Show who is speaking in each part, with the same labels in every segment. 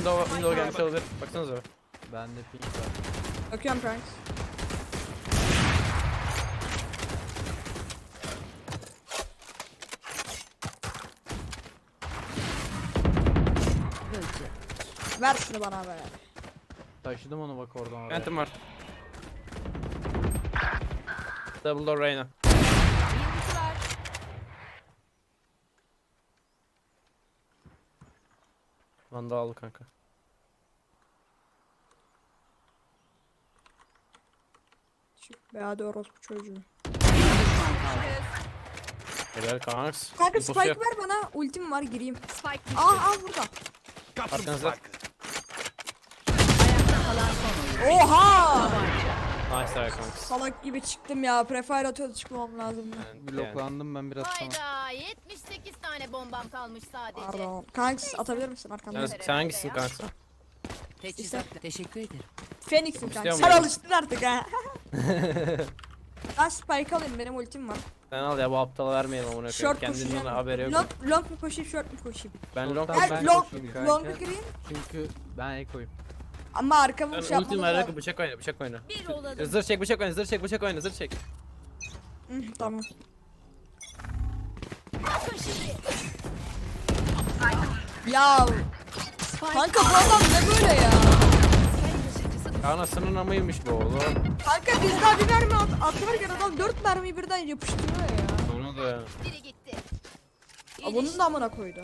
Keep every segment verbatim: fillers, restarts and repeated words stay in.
Speaker 1: Window, window gelmiş olabilir. Baksanıza.
Speaker 2: Bende pink var.
Speaker 3: Bakıyorum kanka. Ver şunu bana be.
Speaker 2: Taşıdım onu bak oradan oraya.
Speaker 1: Phantom var. Double door Reyna.
Speaker 4: Yıldızı var.
Speaker 1: Vandal aldı kanka.
Speaker 3: Çık be hadi orospu çocuğu.
Speaker 1: Helal kanks.
Speaker 3: Kanka
Speaker 1: İnfosu
Speaker 3: spike
Speaker 1: yok.
Speaker 3: ver bana. Ultim var gireyim.
Speaker 4: Spike düştü.
Speaker 3: Aa al burada.
Speaker 1: Arkanızda.
Speaker 4: Ayakta kalan son oyun.
Speaker 3: Oha!
Speaker 1: Nice try kanks.
Speaker 3: Salak gibi çıktım ya. Prefire atıyordu çıkmam lazım.
Speaker 1: Yani,
Speaker 2: Bloklandım ben biraz sana.
Speaker 4: Hayda yetmiş sekiz tane bombam kalmış sadece.
Speaker 3: Pardon. Kanks atabilir misin arkamda?
Speaker 1: yani, sen hangisin kanka?
Speaker 5: Teçhizat. Teşekkür ederim.
Speaker 3: Phoenix'im
Speaker 1: İstiyor
Speaker 3: kanka. Sen
Speaker 1: muydun?
Speaker 3: alıştın artık ha. Ben spike alayım benim ultim var.
Speaker 1: Sen al ya bu aptala vermeyelim amına koyayım.
Speaker 3: Short
Speaker 1: Kendinin
Speaker 3: koşacağım.
Speaker 1: ona haberi yok.
Speaker 3: Long, long mu koşayım short mu koşayım?
Speaker 1: Ben long
Speaker 2: Tamam,
Speaker 3: Her
Speaker 2: ben
Speaker 3: long,
Speaker 2: koşayım kanka.
Speaker 3: long'a gireyim
Speaker 2: Çünkü ben ekoyum.
Speaker 3: ama arkamı
Speaker 1: Ben
Speaker 3: şey
Speaker 1: ultim
Speaker 3: yapmamız
Speaker 1: ver
Speaker 3: lazım.
Speaker 1: bıçak oyna bıçak oyna.
Speaker 4: Bir olalım.
Speaker 1: Zırh çek bıçak oyna zırh çek bıçak oyna zırh çek.
Speaker 3: Hı, tamam.
Speaker 4: Bakın şimdi.
Speaker 3: Ya kanka bu adam ne böyle ya?
Speaker 1: Anasının amıymış bu oğlum.
Speaker 3: Kanka biz daha bir mermi at atlarken adam dört mermiyi birden yapıştırıyor ya.
Speaker 1: Onu da ya.
Speaker 4: Biri gitti.
Speaker 3: Aa, bunun da amına koydu.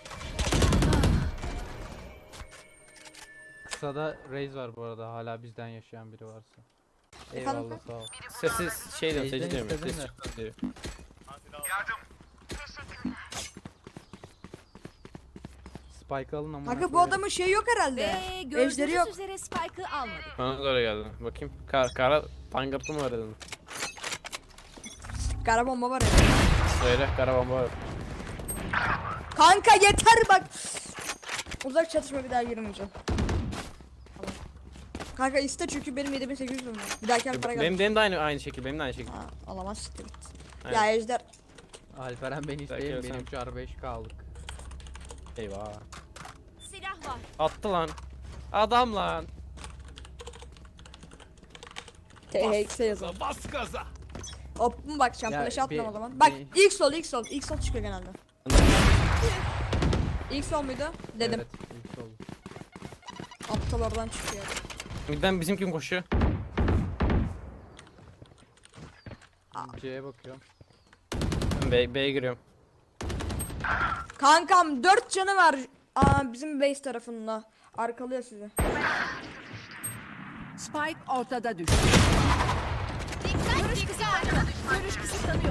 Speaker 2: Kısada Raze var bu arada, hala bizden yaşayan biri varsa.
Speaker 3: Efendim
Speaker 2: Eyvallah sağ ol.
Speaker 1: Sessiz şey diyorum
Speaker 2: Seyirciden
Speaker 1: seyirci diyorum.
Speaker 2: istedim
Speaker 1: Ses
Speaker 2: de.
Speaker 1: çıktı diyor.
Speaker 2: Spike alın ama.
Speaker 3: Kanka bu adamın şeyi yok herhalde.
Speaker 4: Ve
Speaker 3: Ejderi
Speaker 4: gördüğünüz
Speaker 3: yok.
Speaker 4: üzere Spike'ı almadık.
Speaker 1: Bana da öyle geldi. Bakayım. Kar, kara tangırtı mı var dedim.
Speaker 3: Kara bomba var ya.
Speaker 1: Söyle kara bomba var.
Speaker 3: Kanka yeter bak. Uzak çatışma bir daha girmeyeceğim. Tamam. Kanka iste çünkü benim yedi bin sekiz yüz var. Bir dahaki para geldi.
Speaker 1: Benim, benim de aynı aynı şekil benim de aynı şekil.
Speaker 3: Ha, alamaz siktir git.
Speaker 1: Aynen.
Speaker 3: Ya Ejder.
Speaker 2: Alperen beni isteyin,
Speaker 1: Belki
Speaker 2: benim şu ar beş K'lık.
Speaker 1: Eyvah.
Speaker 4: Silah var.
Speaker 1: Attı lan. Adam lan.
Speaker 3: T H X'e yazalım.
Speaker 1: Bas gaza.
Speaker 3: Hop mu bakacağım
Speaker 2: Ya,
Speaker 3: flash atmam
Speaker 2: bir-
Speaker 3: o zaman. Bak
Speaker 2: bir-
Speaker 3: ilk sol ilk sol ilk sol çıkıyor genelde. İlk sol muydu? Dedim.
Speaker 2: Evet, ilk oldu.
Speaker 3: Aptal oradan çıkıyor.
Speaker 1: Birden bizim kim koşuyor?
Speaker 2: C'ye bakıyorum.
Speaker 1: Ben B, B'ye giriyorum.
Speaker 3: Kankam dört canı var. Aa, bizim base tarafında. Arkalıyor sizi.
Speaker 5: Spike ortada düştü.
Speaker 4: Dikkat dikkat. Görüş kısıtlanıyor.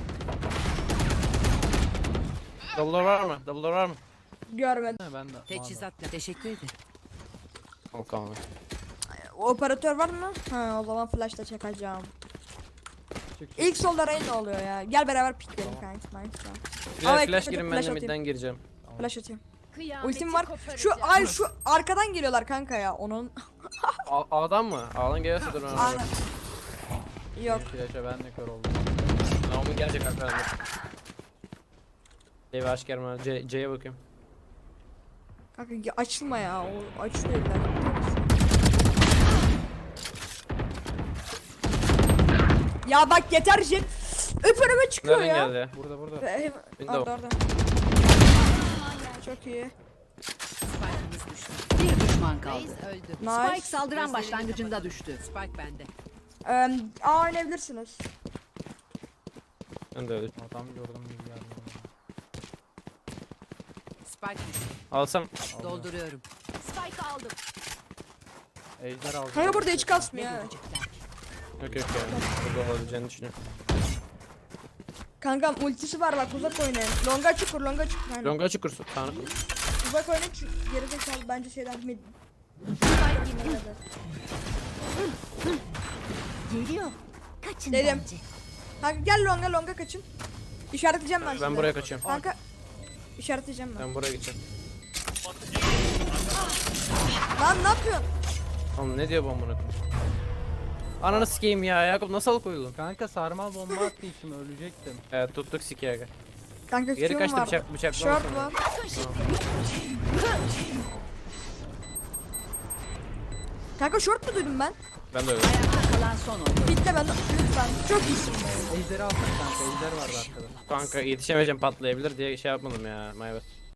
Speaker 1: Double door var mı? Double door var mı?
Speaker 3: Görmedim.
Speaker 2: Ha, ben de.
Speaker 5: Teçhizatla. Teşekkür ederim.
Speaker 1: Tamam tamam.
Speaker 3: Operatör var mı? Ha o zaman flash'la çekeceğim.
Speaker 2: Çık, çık.
Speaker 3: İlk solda Rain oluyor ya. Gel beraber pikleyelim
Speaker 2: Tamam.
Speaker 3: kanka. Nice ya.
Speaker 1: Bir
Speaker 3: Ama
Speaker 1: de flash
Speaker 3: ekledim,
Speaker 1: girin
Speaker 3: flash
Speaker 1: ben de
Speaker 3: atayım.
Speaker 1: midden gireceğim.
Speaker 3: Flash atayım.
Speaker 4: Kıyameti
Speaker 3: Ultim var.
Speaker 4: koparacağım.
Speaker 3: Şu ay şu arkadan geliyorlar kanka ya. Onun
Speaker 1: A A'dan mı? A'dan gelirse dur ben.
Speaker 3: Aynen. Yok.
Speaker 2: Flash'a ben de kör oldum.
Speaker 1: Naomi gelecek arkadan. Evi aç gelme. C C'ye bakıyorum.
Speaker 3: Kanka ya açılma ya. O açılıyor illa. Ya bak yeter jet. Öp önüme çıkıyor
Speaker 1: Nereden
Speaker 3: ya.
Speaker 1: geldi ya?
Speaker 2: Burada burada.
Speaker 3: Ee,
Speaker 1: Window.
Speaker 3: Orada orada. Çok iyi.
Speaker 5: Spike'ımız düştü. Bir düşman kaldı.
Speaker 4: Reis öldü.
Speaker 3: Nice.
Speaker 5: Spike saldıran başlangıcında düştü. Spike bende.
Speaker 3: Ee, A oynayabilirsiniz.
Speaker 1: Ben de öyle.
Speaker 2: Adam gördüm gibi geldi.
Speaker 5: Spike düştü.
Speaker 1: Alsam.
Speaker 5: Dolduruyorum.
Speaker 4: Spike aldım.
Speaker 2: Ejder aldı.
Speaker 3: Kanka burada hiç
Speaker 5: Ne
Speaker 3: kasmıyor ha.
Speaker 5: görecekler?
Speaker 1: Yok yok ya. Burada olabileceğini düşünüyorum.
Speaker 3: Kankam ultisi var bak uzak oynayın. Longa çukur longa çukur. Aynen.
Speaker 1: Longa açık kursu. Tanrı.
Speaker 3: Uzak oynayın çünkü gerizekalı bence şeyden mid.
Speaker 4: Geliyor. Kaçın
Speaker 3: Dedim.
Speaker 4: bence.
Speaker 3: Kanka gel longa longa kaçın. İşaretleyeceğim ben,
Speaker 1: Ben
Speaker 3: sizi.
Speaker 1: buraya kaçıyorum.
Speaker 3: Kanka işaretleyeceğim ben.
Speaker 1: Ben buraya gideceğim.
Speaker 3: Lan ne yapıyorsun?
Speaker 1: Oğlum ne diyor bu amına koyayım? Ananı sikeyim ya. Yakup nasıl koyuldun?
Speaker 2: Kanka sarmal bomba attı içime, ölecektim.
Speaker 1: Evet tuttuk sikeye gel.
Speaker 3: Kanka
Speaker 1: Geri
Speaker 3: Q'm
Speaker 1: kaçtı
Speaker 3: vardı.
Speaker 1: bıçak bıçak.
Speaker 3: Short var. Kanka short mu duydum ben?
Speaker 1: Ben de öyle.
Speaker 5: Ayakta kalan son oyun.
Speaker 3: Bitti ben lütfen. Çok iyisin.
Speaker 2: Ejderi alsana kanka. Ejder vardı arkada.
Speaker 1: Kanka yetişemeyeceğim patlayabilir diye şey yapmadım ya. My bad.